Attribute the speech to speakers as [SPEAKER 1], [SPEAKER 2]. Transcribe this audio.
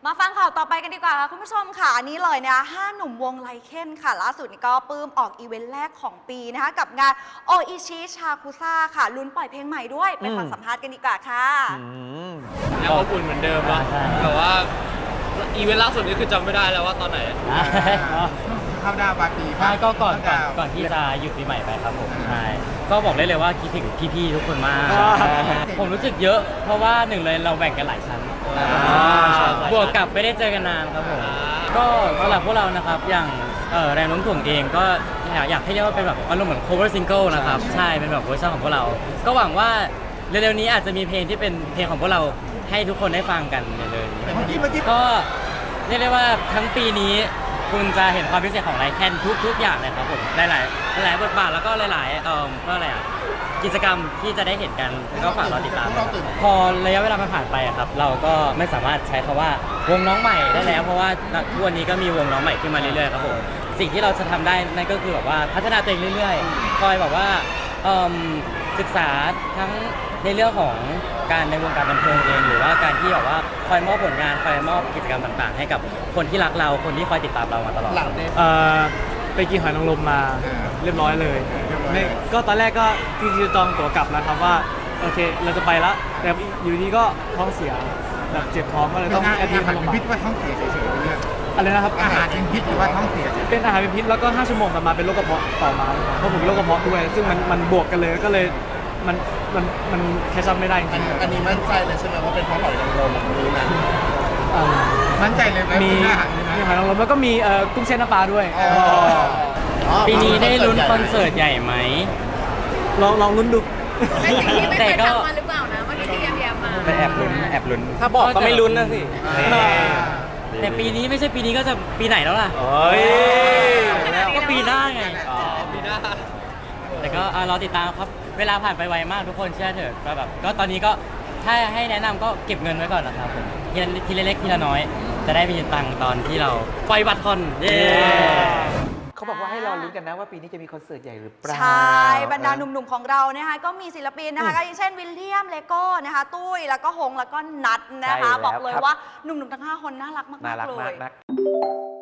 [SPEAKER 1] มาฟังข่าวต่อไปกันดีกว่าค่ะคุณผู้ชมค่ะอันนี้เลยนะ5 หนุ่มวงไลเคนค่ะล่าสุดนี่ก็ปลื้มออกอีเวนต์แรกของปีนะคะกับงานโออิชิชาคุซ่าค่ะลุ้นปล่อยเพลงใหม่ด้วยไปฟังสัมภาษณ์กันดีกว่าค่ะ
[SPEAKER 2] ยังอบอุ่นเหมือนเดิมนะแต่ว่าอีเวนต์ล่าสุดนี้คือจำไม่ได้แล้วว่าตอนไหน
[SPEAKER 3] เข้าดาวปาร์ตี้
[SPEAKER 4] ใช่ก็ก่อนที่จะหยุดปีใหม่ไปครับผมใช่ก็บอกได้เลยว่าคิดถึงพี่ๆทุกคนมากผมรู้สึกเยอะเพราะว่าหนึ่งเลยเราแบ่งกันหลายชั้นบวกกับไม่ได้เจอกันนานครับผมก็สำหรับพวกเรานะครับอย่างแรงโน้มถ่วงเองก็อยากให้เรียกว่าเป็นแบบอารมณ์เหมือน cover single นะครับใช่เป็นแบบเวอร์ชันของพวกเราก็หวังว่าเร็วๆนี้อาจจะมีเพลงที่เป็นเพลงของพวกเราให้ทุกคนได้ฟังกันเร็วๆก็เรียกได้ว่าทั้งปีนี้คุณจะเห็นความพิเศษของไลแคนทุกอย่างเลยครับผมหลายบทบาทแล้วก็หลายก็อะไรกิจกรรมที่จะได้เห็นกันก็ฝากเราติดตามพอระยะเวลามันผ่านไปครับเราก็ไม่สามารถใช้คำว่าวงน้องใหม่ได้แล้วเพราะว่าทุกวันนี้ก็มีวงน้องใหม่ขึ้นมาเรื่อยๆครับผมสิ่งที่เราจะทำได้นั่นก็คือแบบว่าพัฒนาตัวเองเรื่อยๆคอยแบบว่าศึกษาทั้งในเรื่องของการในวงการบันเทิงเองหรือว่าการที่แบบว่าคอยมอบผลงานคอยมอบกิจกรรมต่างๆให้กับคนที่รักเราคนที่คอยติดตามเรามาตลอด
[SPEAKER 5] ไปกินหอยนางรมมาเรียบร้อยเลยก็ตอนแรกก็จริงๆจองตั๋วกลับแล้วครับว่าโอเคเราจะไปแล้วแต่อยู่ดีก็ท้องเสียแบบเจ็บท้องก็เลยต้องแอดมิทโรงพยาบาล
[SPEAKER 3] พิษว่าท้องเสียเฉยๆ
[SPEAKER 5] อะไรนะครับ
[SPEAKER 3] อาหารเป็นพิษหรือว่าท้องเสีย
[SPEAKER 5] เป็นอาหารเป็นพิษแล้วก็5 ชั่วโมงต่อมาเป็นโรคกระเพาะต่อมาเพราะผมเป็นโรคกระเพาะด้วยซึ่งมันบวกกันเลยก็เลยมันแคชชัพไม่ได้จริง
[SPEAKER 3] อันนี้มั่นใจเลยใช่ไหมว่าเป็นเพราะหอยนางรมนี้นะมั่นใจเลย
[SPEAKER 5] มีหอยนางรมแล้วก็มีกุ้งเส้นน้ำปลาด้วย
[SPEAKER 4] ปีนี้ได้ลุ้นคอนเสิร์ตใหญ่ไหม
[SPEAKER 5] ลองลุ้นดู
[SPEAKER 6] เป็นสิ่งที่ไม่เคยทำมาหรือเปล่านะเมื่อกี้ที่แย้มมา
[SPEAKER 4] ไปแอบลุ้น
[SPEAKER 5] ถ้าบอกก็ไม่ลุ้นนะสิ
[SPEAKER 4] แต่ปีนี้ไม่ใช่ปีนี้ก็จะปีไหนแล้วล่ะก็ปีหน้าไง
[SPEAKER 2] ปีหน้า
[SPEAKER 4] แต่ก็รอติดตามครับเวลาผ่านไปไวมากทุกคนเชื่อเถอะก็แบบก็ตอนนี้ก็ถ้าให้แนะนำก็เก็บเงินไว้ก่อนนะครับผมทีละเล็กทีละน้อยจะได้มีตังค์ตอนที่เราปล่อยบัตรคอน
[SPEAKER 7] เขาบอกว่าให้รอลุ้นกันนะว่าปีนี้จะมีคอนเสิร์ตใหญ่หรือเปล่า
[SPEAKER 1] ใช่บรรดาหนุ่มๆของเรานะคะก็มีศิลปินนะคะก็อย่างเช่นวิลเลียมเลโก้นะคะตุ้ยแล้วก็หงแล้วก็นัทนะคะบอกเลยว่าหนุ่มๆทั้ง5 คนน่ารักมากๆเลย